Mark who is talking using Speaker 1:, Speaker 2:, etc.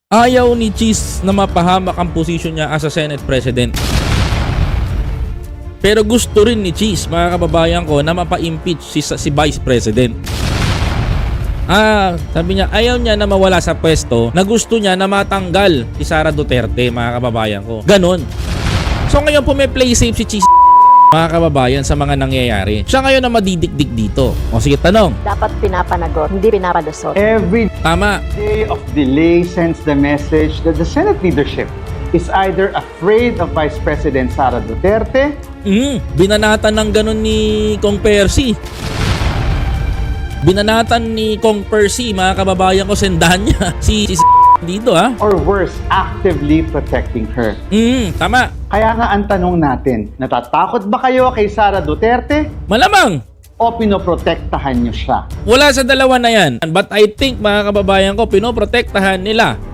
Speaker 1: Ayaw ni Cheese na mapahamak ang posisyon niya as a Senate President. Pero gusto rin ni Cheese, mga kababayan ko, na mapa-impeach si Vice President. Sabi niya, ayaw niya na mawala sa pwesto, na gusto niya na matanggal si Sara Duterte, mga kababayan ko. Ganon. So ngayon po may play safe si Cheese, mga kababayan, sa mga nangyayari. Siya ngayon na madidikdik dito. O sige, tanong.
Speaker 2: Dapat pinapanagot, hindi pinapalusot.
Speaker 3: Every
Speaker 1: Tama.
Speaker 3: day of delay sends the message that the Senate leadership is either afraid of Vice President Sara Duterte.
Speaker 1: Binanatan ng ganon ni Kong Percy. Binanatan ni Kong Percy, mga kababayan ko, sendahan niya si dito, ha?
Speaker 3: Or worse, actively protecting her.
Speaker 1: Tama.
Speaker 3: Kaya nga ang tanong natin, natatakot ba kayo kay Sara Duterte
Speaker 1: Malamang.
Speaker 3: o pinoprotektahan niyo siya?
Speaker 1: Wala sa dalawa na yan. But I think, mga kababayan ko, pinoprotektahan nila